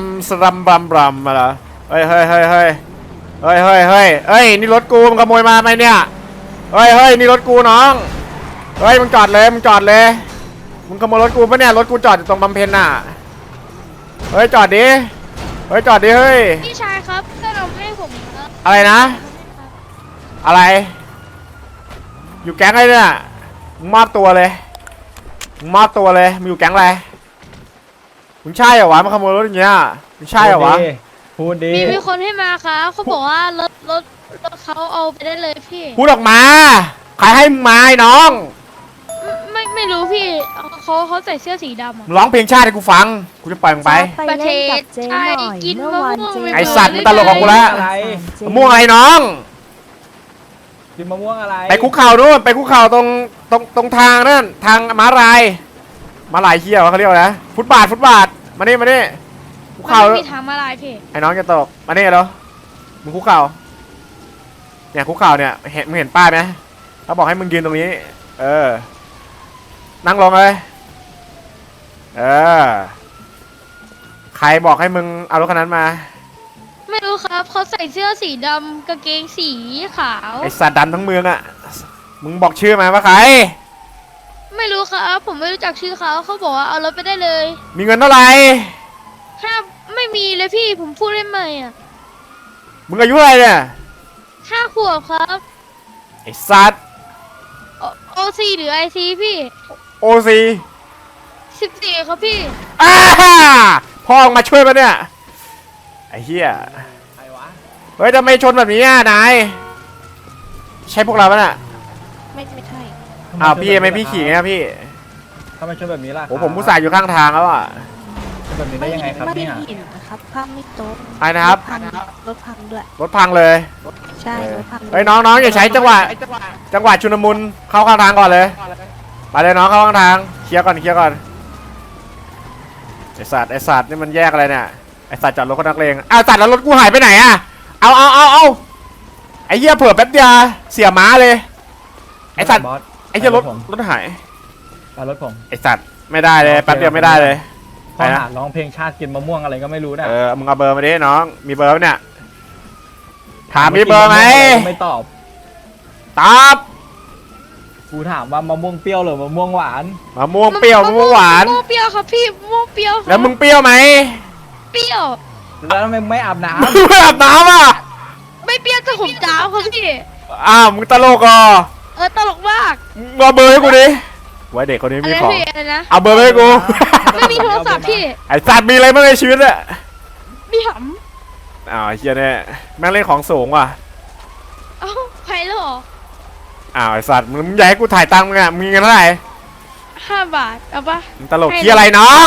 สลัมบัมบัมมาเหรอเฮ้ยเฮ้ยเฮ้ยเฮ้ยเฮ้ยเฮ้ยเฮ้ยเฮ้ยนี่รถกูมึงขโมยมาไหมเนี่ยเฮ้ยเฮ้ยนี่รถกูน้องเฮ้ยมึงจอดเลยมึงจอดเลยมึงขโมยรถกูปะเนี่ยรถกูจอดอยู่ตรงบำเพ็ญน่ะเฮ้ยจอดดิเฮ้ยจอดดิเฮ้ยพี่ชายครับเพื่อนเราให้ผมนะอะไรนะอะไรอยู่แก๊งอะไรเนี่ยมึงมอบตัวเลยมึงมอบตัวเลยมึงอยู่แก๊งอะไรมึงใช่เหรอวะมาขโมยรถอย่างเงี้ยมึงใช่เหรอวะพูดดีมีคนให้มาครับเขาบอกว่ารถเขาเอาไปได้เลยพี่พูดออกมาใครให้มึงมาไอ้น้องไม่รู้พี่เขาใส่เสื้อสีดำมึงร้องเพลงชาติให้กูฟังกูจะปล่อยมึงไปประเทศชายกินมะม่วงไอสัตว์มึงตลกของกูแล้วมะม่วงอะไรน้องกินมะม่วงอะไรไปคุกเข่านู่นไปคุกเข่าตรงทางนั่นทางม้าลายเขี้ยวเขาเรียกว่าอะไรฟุตบาทมานี่คุกเข่าไม่มีทางมาลายพี่ไอ้น้องจะตกมานี่เหรอมึงคุกเข่าเนี่ยคุกเข่าเนี่ยมึงเห็นป้ายไหมเขาบอกให้มึงยืนตรงนี้นั่งลงเลยใครบอกให้มึงเอารถคันนั้นมาไม่รู้ครับเขาใส่เสื้อสีดำกางเกงสีขาวไอสัตว์ดำทั้งเมืองอ่ะมึงบอกชื่อมาว่าใครไม่รู้ครับผมไม่รู้จักชื่อเขาบอกว่าเอารถไปได้เลยมีเงินเท่าไหร่ไม่มีเลยพี่ผมพูดได้ไหมอ่ะมึงอายุอะไรเนี่ย 5 ขวบครับไอสัตว์โอซีหรือไอซีพี่โอซี 14ครับพี่พ่อมาช่วยปะเนี่ยไอ้เหี้ยเฮ้ยทำไมชนแบบนี้อ่ะนายใช่พวกเราปะเนี่ยไม่ใช่พี่ไม่พี่ขี่ไงพี่ทำไมชนแบบนี้ล่ะโอ้ผมผู้สายอยู่ข้างทางแล้วอ่ะแบบนี้ได้ยังไงครับเนี่ยไม่เห็นนะครับพังไม่โต๊ะไปนะครับรถพังด้วยรถพังเลยใช่รถพังเฮ้ยน้องอย่าใช้จังหวะชุนมุนเข้าข้างทางก่อนเลยไปเลยน้องเข้าข้างทางเคลียร์ก่อนไอสัตว์นี่มันแยกอะไรเนี่ยไอสัตว์จอดรถคนนักเลงสัตว์แล้วรถกูหายไปไหนอ่ะเอาไอเหี้ยเผื่อแป๊บเดียวเสียม้าเลยไอสัตว์ไอเหี้ยรถหายรถผมไอสัตว์ไม่ได้เลยแป๊บเดียวไม่ได้เลยไปนะร้องเพลงชาติกินมะม่วงอะไรก็ไม่รู้นะมึงเอาเบอร์มาดิน้องมีเบอร์ไหมเนี่ยถามมีเบอร์ไหมไม่ตอบกูถามว่ามะม่วงเปรี้ยวหรือมะม่วงหวานมะม่วงเปรี้ยวมะม่วงหวานมะม่วงเปรี้ยวครับพี่มะม่วงเปรี้ยวแล้วมึงเปรี้ยวไหมเปรี้ยวแล้วทำไมไม่อาบน้ำไม่อาบน้ำอ่ะไม่เปรี้ยวจะผมจ้าวครับพี่มึงตลกอ่ะตลกมากเอาเบอร์ให้กูดิไว้เด็กคนนี้มีของเอาเบอร์ให้กูไม่มีโทรศัพท์พี่ไอ้สัตว์มีอะไรบ้างในชีวิตอะมีหำไอ้เชี่ยเนี่ยแม่งเล่นของสูงว่ะใครหรอไอ้สัตว์มึงอยากให้กูถ่ายตังค์มึงอะมีเงินเท่าไหร่ 5 บาทเอาปะมึงตลกเคี้ยอะไรน้อง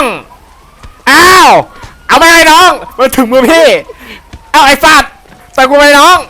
เอาไปให้น้องมาถึงมือพี่ไอ้สัตว์แต่กูไปน้อง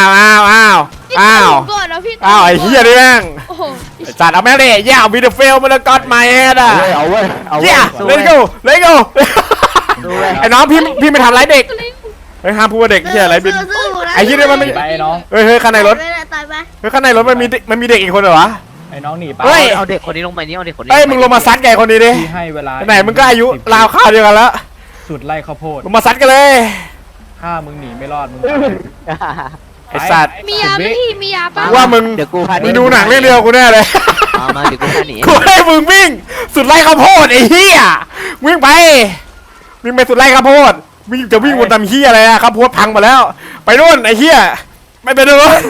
ก่อนนะพี่ไอ้เหี้ยนี่แม่งจัดเอาแม่งเลยย่าวีเดอร์เฟลมันก็อดไมเฮดอ่ะย่าเลยกูไอ้น้องพี่ไม่ทำไรเด็กเฮ้ยห้ามพูดว่าเด็กเหี้ยอะไรบินไอ้เหี้ยนี่มันไม่เฮ้ยข้างในรถข้างในรถมันมีเด็กอีกคนเหรอวะไอ้น้องหนีไปเอาเด็กคนนี้ลงไปนี่เอาเด็กคนนี้มึงลงมาซัดแกคนนี้ดิให้เวลาไหนมึงก็อายุราวข้าวเดียวกันแล้วสุดไล่ข้าวโพดลงมาซัดกันเลยถ้ามึงหนีไม่รอดมึงไอ้สัตว์มียาไหมพี่มียาป่ะว่ามึงดูหนังเรื่องเดียวกูแน่เลยมาเดี๋ยวกูพาหนีกูให้มึงวิ่งสุดไล่ข้าวโพดไอ้เหี้ยวิ่งไปสุดไล่ข้าวโพดจะวิ่งบนตำเหี้ยอะไรอะข้าวโพดพังหมดแล้วไปนู่นไอ้เหี้ยไม่ไปนู่น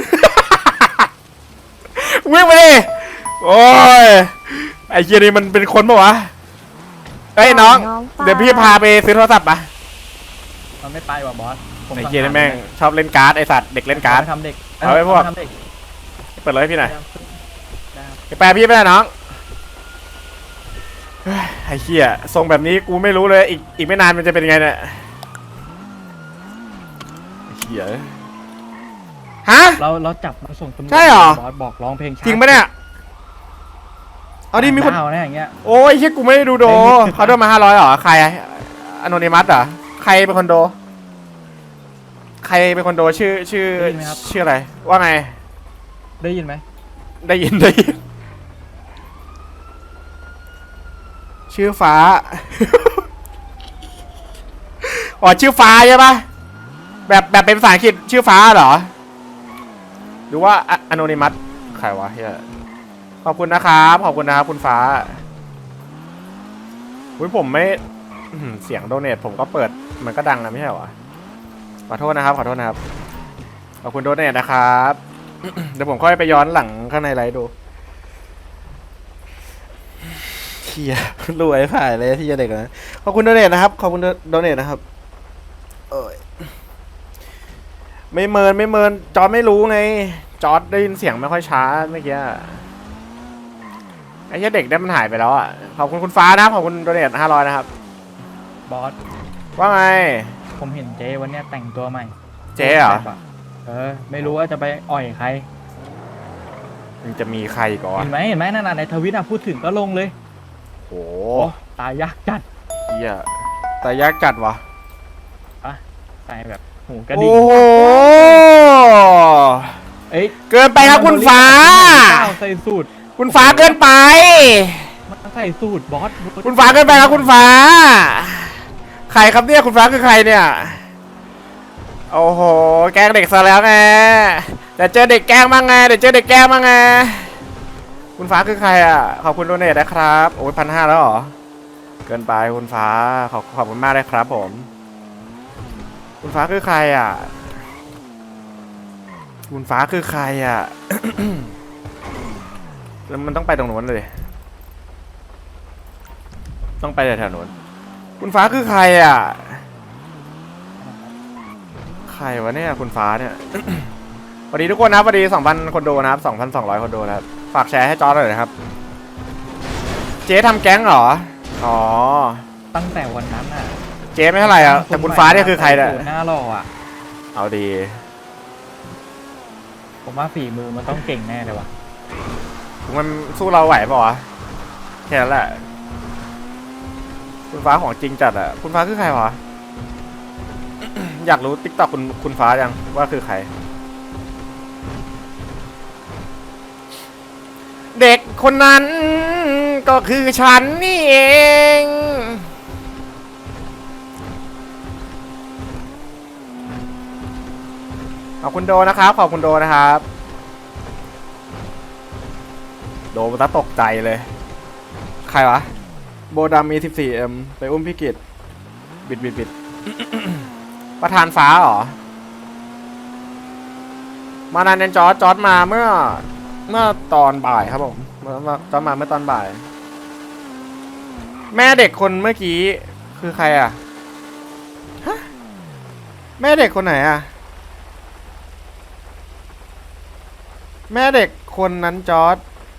วิ่งไปดิโอ้ยไอ้เหี้ยนี่มันเป็นคนปะวะเอ้ยน้องเดี๋ยวพี่พาไปซื้อโทรศัพท์ปะมันไม่ไปว่ะบอสไอ้เหี้ยนี่แม่งชอบเล่นการ์ดไอ้สัตว์เด็กเล่นการ์ดทำเด็กเอาไว้พวกเปิดเลยให้พี่หน่อยแปลพี่ไม่ได้น้องไอ้เหี้ยทรงแบบนี้กูไม่รู้เลยอีกไม่นานมันจะเป็นยังไงเนี่ยไอ้เหี้ยเราจับมาส่งตำรวจใช่หรอบอกร้องเพลงจริงปะเนี่ยเอาดิมีคนเอาเนี่ยอย่างเงี้ยโอ้ยเหี้ยกูไม่ได้ดูโดเขาโดนมา500หรอใครอโนนิมัสเหรอใครเป็นคนโดใครเป็นคนโดชื่ออะไรว่าไงได้ยินไหมได้ยินชื่อฟ้าอ๋อชื่อฟ้าใช่ปะแบบเป็นภาษาอังกฤษชื่อฟ้าเหรอหรือว่าอโนนิมัสใครวะเฮียขอบคุณนะครับขอบคุณนะครับคุณฟ้าอุ้ยผมไม่เสียงโดเนทผมก็เปิดมันก็ดังนะไม่ใช่เหรอขอโทษนะครับขอโทษนะครับขอบคุณโดเนทนะครับ เดี๋ยวผมค่อยไปย้อนหลังข้างในไลฟ์ดูเฮียรวยผ่ายเลยที่จะเด็กนะขอบคุณโดเนทนะครับขอบคุณโดเนทนะครับเอ้ยไม่เมินจอร์ดไม่รู้ไงจอร์ดได้ยินเสียงไม่ค่อยช้าเมื่อกี้ไอ้เหี้ยเด็กได้มันหายไปแล้วอ่ะขอบคุณคุณฟ้านะครับขอบคุณโดเนท500นะครับบอสว่าไงผมเห็นเจวันเนี้ยแต่งตัวใหม่เจ๊เหรอไม่รู้ว่าจะไปอ่อยใครมันจะมีใครก่อนเห็นไหมนั่นน่ะในทวิตอ่ะพูดถึงก็ลงเลยโหโอ้ตายยากจัดเฮียแต่ยากจัดวะอ่ะใส่แบบหูกระดิ่งโอ้โหเอ้ยเกินไปครับคุณฟ้าใส่สูตรคุณฟ้าเกินไปมันใส่สูตรบอสคุณฟ้าเกินไปครับคุณฟ้า ใครครับเนี่ยคุณฟ้าคือใครเนี่ย โอ้โห แกล้งเด็กซะแล้วไงเดี๋ยวเจอเด็กแกล้งบ้างไงเดี๋ยวเจอเด็กแกล้งบ้างไงคุณฟ้าคือใครอ่ะขอบคุณโดเนทนะครับโอ้ย1,500แล้วเหรอเกินไปคุณฟ้าขอบคุณมากเลยครับผมคุณฟ้าคือใครอ่ะคุณฟ้าคือใครอ่ะ แล้วมันต้องไปตรงนู้นเลยต้องไปแถวนู้นคุณฟ้าคือใครอ่ะใครวะเนี่ยคุณฟ้าเนี่ย สวัสดีทุกคนนะครับสวัสดี 2,000 คนดูนะครับ 2,200 คนดูนะครับฝากแชร์ให้จอร์จหน่อยนะครับเจ๊ทำแก๊งเหรออ๋อตั้งแต่วันนั้นอ่ะเจ๊ไม่เท่าไหร่อ่ะแต่คุณฟ้าเนี่ยคือใครเนี่ยหน้าหล่ออ่ะเอาดีผมว่าฝีมือมันต้องเก่งแน่เลยว่ะมันสู้เราไหวเปล่าวะแค่นั้นแหละคุณฟ้าของจริงจัดอ่ะคุณฟ้าคือใครวะ อยากรู้ติ๊กต็อกคุณฟ้ายังว่าคือใคร เด็กคนนั้นก็คือฉันนี่เองขอบคุณโดนะครับขอบคุณโดนะครับโดมันตกใจเลยใครวะโบดามี 14M ไปอุ้มพี่กิตบิด ประธานฟ้าเหรอมานานเนนจอร์จมาเมื่อตอนบ่ายครับผมจอร์จมาเมื่อตอนบ่ายแม่เด็กคนเมื่อกี้คือใครอ่ะฮะแม่เด็กคนไหนอ่ะแม่เด็กคนนั้นจอร์จ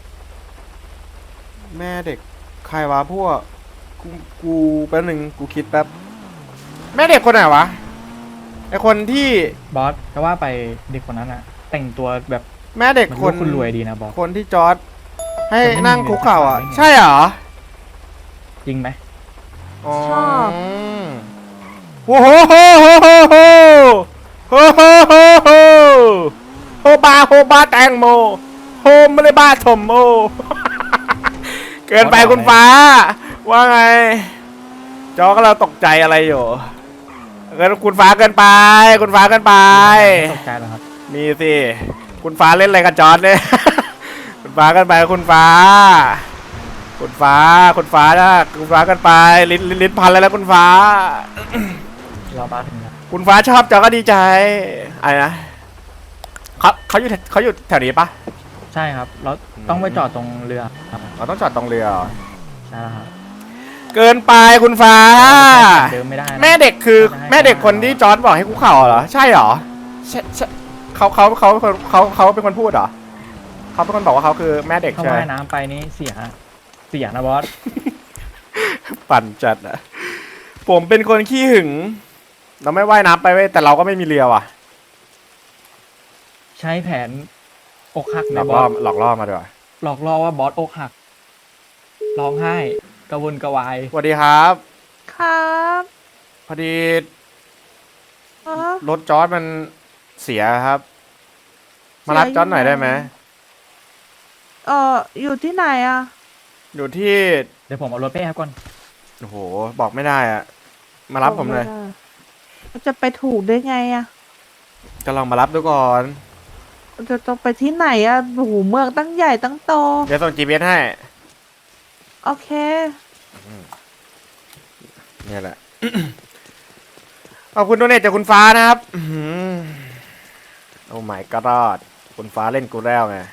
แม่เด็กใครวะพวกกูแป๊บนึงกูคิดแป๊บแม่เด็กคนไหนวะไอคนที่บอสก็ว่าไปเด็กคนนั้นอ่ะ แต่งตัวแบบแม่เด็กมันครู้นคุณรวยดีนะบอสคนที่จอร์ดให้แต่ไม่มีนั่งคุกเข่าอ่ะเงินใช่เหรอจริงไหมชอบโอ้โหโหบาแตงโมโฮไม่ได้บ้าถมโม เกินไปคุณฟ้า ว่าไง จอก็เราตกใจอะไรอยู่เกินคุณฟ้าเกินไป คุณฟ้าเกินไปตกใจเหรอครับมีสิ คุณฟ้าเล่นอะไรกับจอร์ดเนี่ย คุณฟ้ากันไปคุณฟ้านะคุณฟ้ากันไปลิ้นพันแล้วคุณฟ้ารอบาสถึงแล้วคุณฟ้าชอบจอร์ดก็ดีใจอะไรนะเขาอยู่แถวนี้ปะใช่ครับเราต้องไปจอดตรงเรือครับเราต้องจอดตรงเรือเหรอใช่แล้วครับเกินไปคุณฟ้าเดิมไม่ได้นะแม่เด็กคือไม่ได้แม่เด็กคนที่จอร์ดบอกให้คุกเข่าเหรอใช่เหรอใช่เขาเป็นคนพูดเหรอเขาเป็นคนบอกว่าเขาคือแม่เด็กถ้าใช่ไหมว่ายน้ำไปนี่เสียนะบอสปั่นจัดอะผมเป็นคนขี้หึง เราไม่ว่ายน้ำไปเว้ยแต่เราก็ไม่มีเรือว่ะใช้แผนอกหักหในลอกบล่ออสหลอกล่อมาดีกว่าหลอกล่อว่าบอสอกหักร้องไห้กระวนกระวายสวัสดีครับครับพอดีอ๋อรถจอร์ดมันเสียครับ มารับจอร์ดหน่อยได้ไหมอยู่ที่ไหนอ่ะอยู่ที่เดี๋ยวผมเอารถไปแอบก่อนโอ้โหบอกไม่ได้อะมารับผมเลยจะไปถูกได้ไงอะก็ลองมารับดูก่อนจะต้องไปที่ไหนอะโอ้โหเมืองตั้งใหญ่ตั้งโตเดี๋ยวส่ง GPS ให้โอเคเนี่ยแหละ ขอบคุณโดเนทจากคุณฟ้านะครับโอ้ my god คุณฟ้าเล่นกูแล้วไง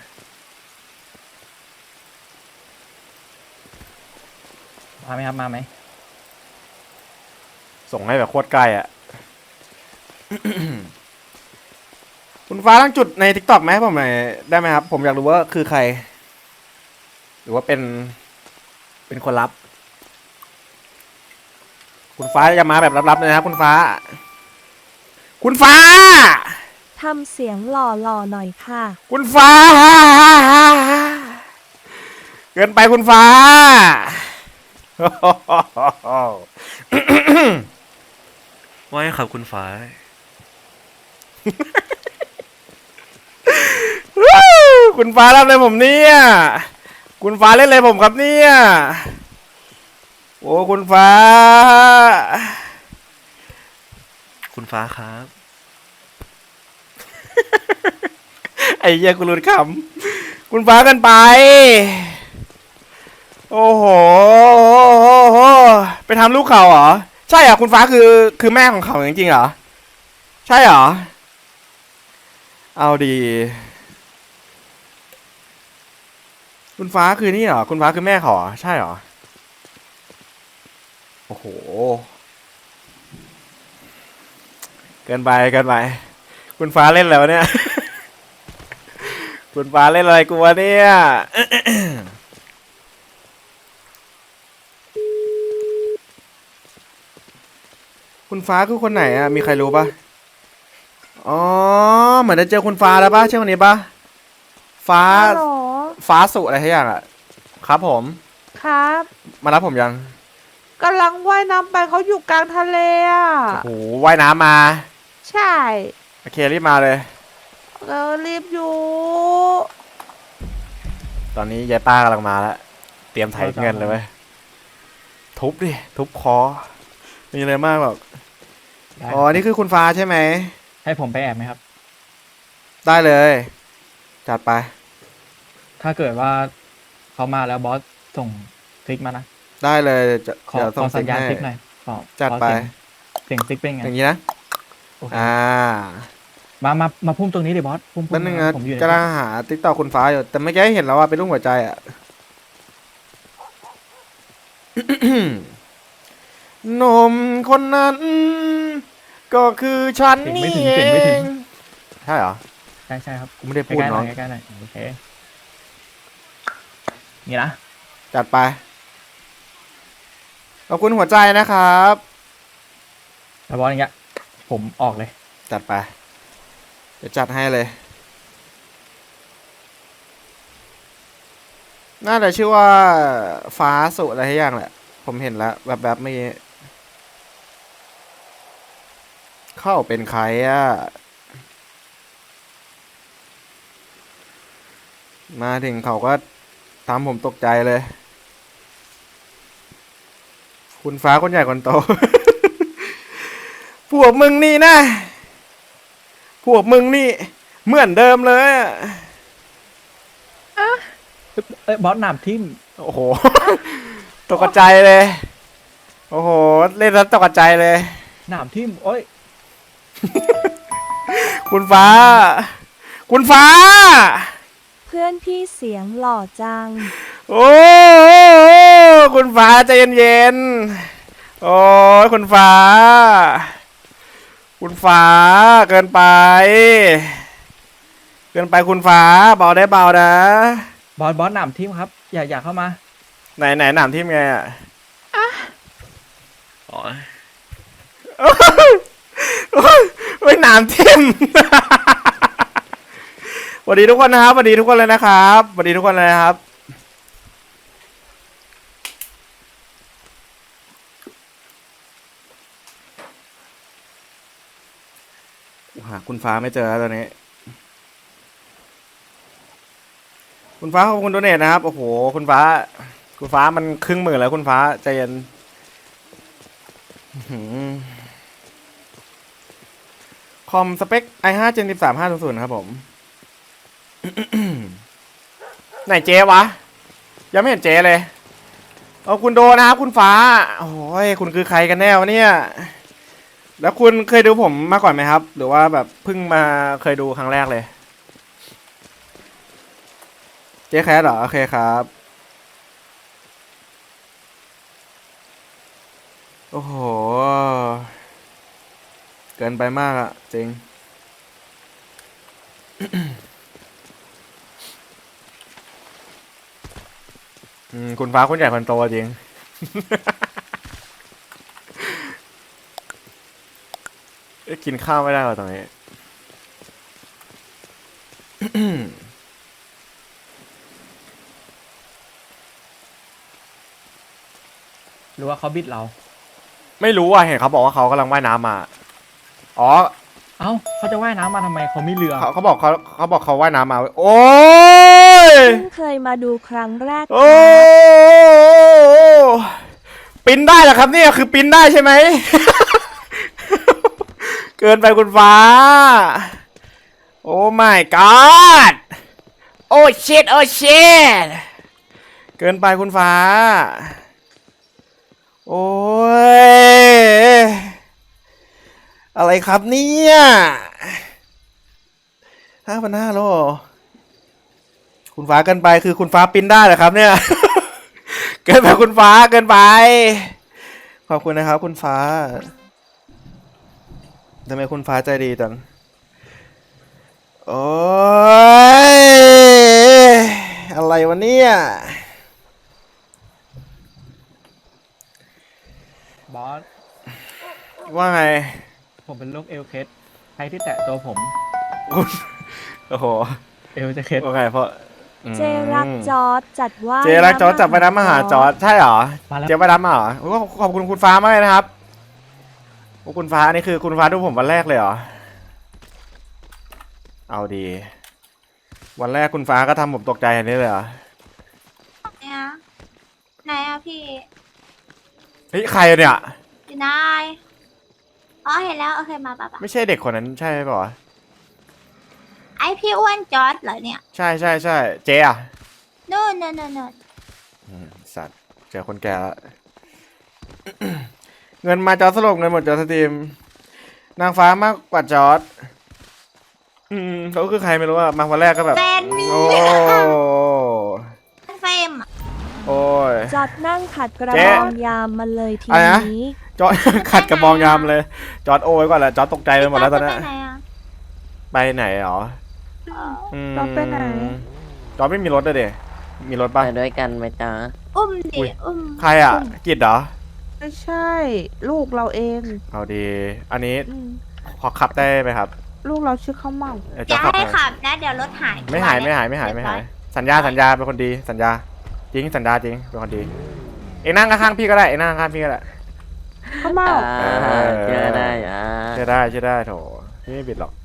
มาไหมครับมาไหมส่งให้แบบโคตรใกล้อ่ะ คุณฟ้าตั้งจุดใน TikTok ไหมผมหน่อยได้ไหมครับ ผมอยากรู้ว่าคือใคร หรือว่าเป็นคนรับ คุณฟ้าจะมาแบบลับๆเลยนะครับคุณฟ้า คุณฟ้าทำเสียงหล่อๆหน่อยค่ะคุณฟ้า เกินไปคุณฟ้าว่าไงครับคุณฟ้าคุณฟ้าทำอะไรผมเนี่ย คุณฟ้าเล่นอะไรผมครับเนี่ย โอ้คุณฟ้าคุณฟ้าครับไอ้เหี้ยกูรุนคำคุณฟ้ากันไป โอ้โห ไปทำลูกเขาเหรอ ใช่เหรอคุณฟ้าคือแม่ของเขาจริงๆเหรอ ใช่เหรอ เอาดี คุณฟ้าคือนี่เหรอ คุณฟ้าคือแม่เขาเหรอ ใช่เหรอ โอ้โห เกินไปเกินไป คุณฟ้าเล่นแล้วะเนี่ย คุณฟ้าเล่นอะไรกูวะเนี่ย คุณฟ้าคือคนไหนอ่ะ มีใครรู้ปะอ๋อ เหมือนจะเจอคุณฟ้าแล้วปะใช่คนนี้ปะฟ้าฮัลโหลฟ้าสุอะไรทุกอย่างอ่ะ ครับผมครับมารับผมยังกำลังว่ายน้ำไปเขาอยู่กลางทะเลอะโอ้โหว่ายน้ำมาใช่โอเครีบมาเลยเรารีบอยู่ตอนนี้ยายป้ากำลังมาแล้ว เตรียมไถเงินเลยไหมทุบดิ ทุบคอมีอะไรมากหรอกได้อ๋อ นี่คือคุณฟ้าใช่ไหมให้ผมไปแอบไหมครับได้เลย จัดไปถ้าเกิดว่าเขามาแล้วบอสส่งคลิกมานะได้เลยจะขอเดี๋ยวขส่อง สัซิญกญาณให้คลิกหน่อยขอจัดขอไปเสียงคลิกเป็นไงอย่างนี้นะโอเค มาพุ่มตรงนี้ดิบอสพุ่มแป๊บนึงนะผมอยู่ในกำลังหาติ๊กต็อกคุณฟ้าอยู่ แต่เมื่อกี้เห็นแล้วว่าเป็นรูปหัวใจอ่ะ หนุ่มคนนั้น ก็คือฉันนี่เองใช่เหรอใช่ใช่ครับกูไม่ได้ใกพูดล้ๆหน่เนาะอยใกล้ๆหน่อยโอเคนี่นะจัดไป ขอบคุณหัวใจนะครับแล้วบอสอย่างเงี้ยผมออกเลยจัดไป เดี๋ยวจัดให้เลย น่าจะชื่อว่าฟ้าสุอะไรทุกอย่างแหละ ผมเห็นแล้วแบบเมื่อกี้เข้าเป็นใครอ่ะ มาถึงเขาก็ทำผมตกใจเลย คุณฟ้าคนใหญ่คนโต พวกมึงนี่นะ พวกมึงนี่ เหมือนเดิมเลยอะเอ้ยบอสหนามทิ่มโอ้โห ตกใจเลย โอ้โห เล่นแล้วตกใจเลยหนามทิ่มโอ้ยคุณฟ้า คุณฟ้าเพื่อนพี่เสียงหล่อจังโอ้คุณฟ้าใจเย็นๆ โอ้ยคุณฟ้า คุณฟ้าเกินไป เกินไปคุณฟ้าเบาได้เบานะบอสหนามทิ่มครับอย่าเข้ามาไหนหนามทิ่มไงอ่ะอ๋อโอ้ยหนามทิ่ม สวัสดีทุกคนนะครับสวัสดีทุกคนเลยนะครับสวัสดีทุกคนเลยนะครับ หาคุณฟ้าไม่เจอแล้วตอนนี้ คุณฟ้าขอบคุณโดเนทนะครับ โอ้โห คุณฟ้า คุณฟ้ามันครึ่งหมื่นแล้วคุณฟ้าใจเย็นอื้อหือคอมสเปค i5 Gen 13 500ครับผม ไหนเจ๊วะ ยังไม่เห็นเจ๊เลยเอาคุณโดนะครับคุณฟ้า โอ้ยคุณคือใครกันแน่วะเนี่ย แล้วคุณเคยดูผมมาก่อนไหมครับ หรือว่าแบบเพิ่งมาเคยดูครั้งแรกเลย เจ๊แคสเหรอ โอเคครับ โอ้โห เกินไปมากอะจริง คุณฟ้าคุณใหญ่คนโตจริง กินข้าวไม่ได้หรอตรงนี้หรือว่าเขาบิดเราไม่รู้อ่ะเห็นเขาบอกว่าเขากำลังว่ายน้ำมา อ๋อเอ้าเขาจะว่ายน้ำมาทำไมเขาไม่เรือเขาบอกเขาว่ายน้ำมา โอ้ยเพิ่งเคยมาดูครั้งแรกโอ้ปิ้นได้เหรอครับเนี่ยคือปิ้นได้ใช่ไหม เกินไปคุณฟ้า โอ้ my god โอ้ shit โอ้ shit เกินไปคุณฟ้า โอ้ย อะไรครับเนี่ย5,500แล้วเหรอคุณฟ้าเกินไปคือคุณฟ้าปิ้นได้เหรอครับเนี่ย เกินไปคุณฟ้าเกินไป ขอบคุณนะครับคุณฟ้าทำไมคุณฟ้าใจดีจังโอ้ยอะไรวะเนี่ยบอสว่าไงผมเป็นโรคเอลเคสใครที่แตะตัวผมคุณโอ้โหเอลจะเคสว่าไงเพราะเจรักจอร์ดจัดว่าเจรักจอร์จจับไปน้ำมาหาจอร์จใช่เหรอมาแล้วเจไปน้ำมาเหรอโอ้ขอบคุณคุณฟ้ามากเลยนะครับโอ้คุณฟ้านี่คือคุณฟ้าดูผมวันแรกเลยเหรอเอาดี วันแรกคุณฟ้าก็ทำผมตกใจอย่างนี้เลยเหรอเนี่ยไหนอะพี่เฮ้ยใครเนี่ยอยู่ไหนอ๋อเห็นแล้วโอเคมาปะไม่ใช่เด็กคนนั้นใช่ไหมปะวะไอพี่อ้วนจอร์ดเหรอเนี่ยใช่ใช่ใช่เจ๊อะนู่นสัตว์เจอคนแก่ละ เงินมาจอร์จสลบเงินหมดจอร์จสตรีมนางฟ้ามากกว่าจอร์จเขาคือใครไม่รู้อะมาวันแรกก็แบบแฟนมีโอ้เฟรมอะโอ้ยจอดนั่งขัดกระเจ๊บองยามมาเลยทีอะไรนะนี้จอร์จ ขัดกระบองยามเลย จอร์จโอ้ยก่อนแหละจอร์จตกใจไปหมดแล้วตอนนี้จะไปไหนอะไปไหนหรอจอร์จไปไหนจอร์จไม่มีรถเลยเดมีรถไปป่ะด้วยกันไหมจ๊ะอุ้มอุ๊ดิยอุ้มใครอ่ะกิจเหรอไม่ใช่ ลูกเราเองเอาดี อันนี้อืมพอขับได้ไหมครับลูกเราชื่อข้าวเม่าเอ้ยอย่าขับให้หน่อยขับนะเดี๋ยวรถหายไม่หายไม่หายไม่หายไม่หายไม่หาย สัญญาเป็นคนดีสัญญาจริงสัญญาจริงเป็นคนดี เองนั่งข้างๆพี่ก็ได้เองนั่งข้างๆพี่ก็ได้ข้าวเม่าเจอได้อ่ะเชื่อได้โถพี่ไม่บิดหรอก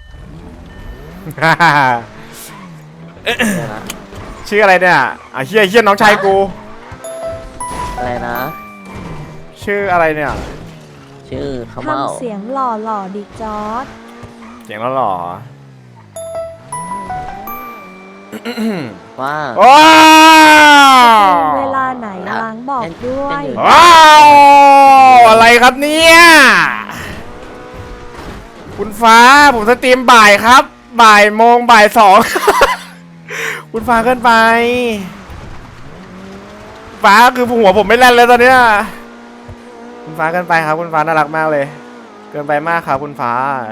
เจอละชื่ออะไรเนี่ยอ่ะเฮียน้องชายกูอะไรนะชื่ออะไรเนี่ยชื่อเขาเมาทำเสียงหล่อๆดิจอร์ดเสียงหล่อว่าๆว้าเวลาไหนล้างบอกด้วยว้าวอะไรครับเนี่ยคุณฟ้าผมสตรีมบ่ายครับบ่ายโมงบ่ายสอง คุณฟ้าเกินไป ฟ้าคือหัวผมไม่แล่นเลยตอนเนี้ยคุณฟ้าเกินไปครับคุณฟ้าน่ารักมากเลย เกินไปมากครับคุณฟ้า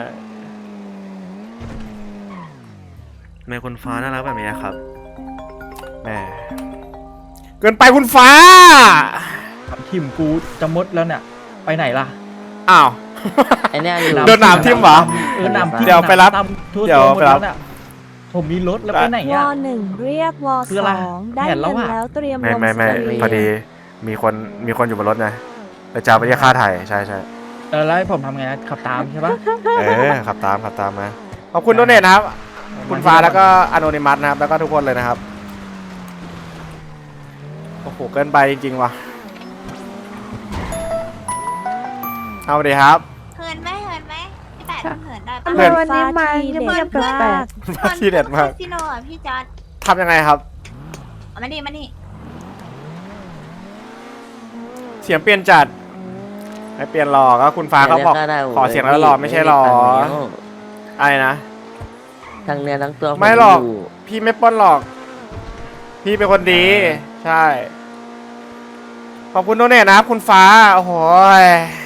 ทำไมคุณฟ้าน่ารักแบบนี้ครับแหมเกินไปคุณฟ้าทีมกูจะมดแล้วเนี่ย ไปไหนล่ะอ้าวไอเนี่ยอยู่โดนหนามทิ่มเหรอหนามทิ่มเดี๋ยวไปรับตามทั่วเดี๋ยวตัวหมไปรับแล้วเนี่ยผมมีรถแล้วไปไหนวอ่ะหนึ่งเรียกวคืออะไรสองได้เห็นแล้เงิวน อะแล้วเตรียมไม่ลงไม่สไม่ตรีมพอดีมีคนอยู่บนรถไงเลยจะเอาไปเรียกค่าไถ่ใช่แล้วให้ผมทำไงนะขับตามใช่ปะขับตามมาขอบคุณโดเนทนะครับ คุณฟ้าแล้วก็อโนนิมัสนะครับ แล้วก็ทุกคนเลยนะครับ โอ้โหเกินไปจริงๆว่ะเอาดีครับเหินไหมไป 8มันเหินได้ปะทำไมวันนี้มาเงียบๆแปลกมาที่เด็ดมากคาสิโนอ่ะพี่จอร์ดทำยังไงครับเอามานี่มานี่เสียงเปลี่ยนจัดไม่เปลี่ยนหรอกก็คุณฟ้าเขาบอก ขอเสียงแล้วหล่อไม่ใช่หรออะไรนะทั้งเนื้อทั้งตัวไม่หรอกยู่พี่ไม่ปล้นหรอก พี่เป็นคนดี ใช่ ขอบคุณโดเนทนะครับคุณฟ้า โอ้โห